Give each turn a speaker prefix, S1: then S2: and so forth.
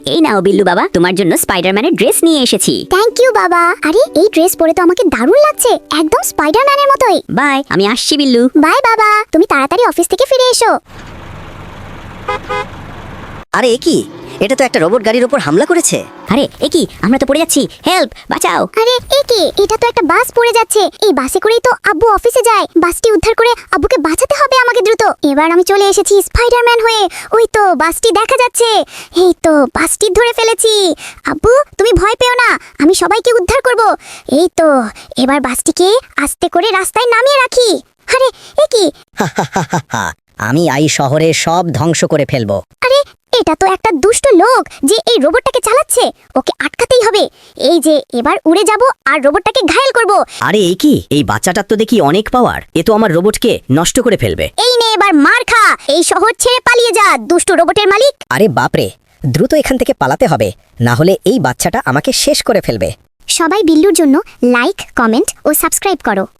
S1: এই নাও বিল্লু বাবা, তোমার জন্য স্পাইডারম্যানের ড্রেস নিয়ে এসেছি।
S2: থ্যাংক ইউ বাবা। আরে এই ড্রেস পরে তো আমাকে দারুণ লাগছে, একদম স্পাইডারম্যানের মতোই।
S1: বাই, আমি আসছি বিল্লু।
S2: বাই বাবা, তুমি তাড়াতাড়ি অফিস থেকে ফিরে এসো।
S3: আরে এ কি, এটা তো একটা রোবট গাড়ির উপর হামলা করেছে।
S1: আরে এ কি, আমরা তো পড়ে যাচ্ছি, হেল্প, বাঁচাও।
S2: আরে এ কি, এটা তো একটা বাস পড়ে যাচ্ছে। এই বাসে করেই তো আব্বু অফিসে যায়। বাসটি উদ্ধার করে আব্বুকে বাঁচাতে হবে আমাকে দ্রুত। এবার আমি চলে এসেছি স্পাইডারম্যান হয়ে। ওই তো বাসটি দেখা যাচ্ছে। এই তো বাসটি ধরে ফেলেছি। আব্বু তুমি ভয় পেও না, আমি সবাইকে উদ্ধার করব। এই তো এবার বাসটিকে আস্তে করে রাস্তায় নামিয়ে রাখি। আরে এ কি,
S3: আমি এই শহরে সব ধ্বংস করে ফেলবো।
S2: আরে এটা তো একটা দুষ্ট লোক যে এই রোবটটাকে চালাচ্ছে। ওকে আটকাতেই হবে। এই যে এবার উড়ে যাব আর রোবটটাকে ঘায়েল করব।
S3: আরে এই কি, এই বাচ্চাটার তো দেখি অনেক পাওয়ার, এ তো আমার রোবটকে নষ্ট করে ফেলবে।
S2: এই নে এবার মার খা। এই শহর ছেড়ে পালিয়ে যা দুষ্ট রোবটের মালিক।
S3: আরে বাপরে, দ্রুত এখান থেকে পালাতে হবে, না হলে এই বাচ্চাটা আমাকে শেষ করে ফেলবে।
S2: সবাই বিল্লুর জন্য লাইক, কমেন্ট ও সাবস্ক্রাইব করো।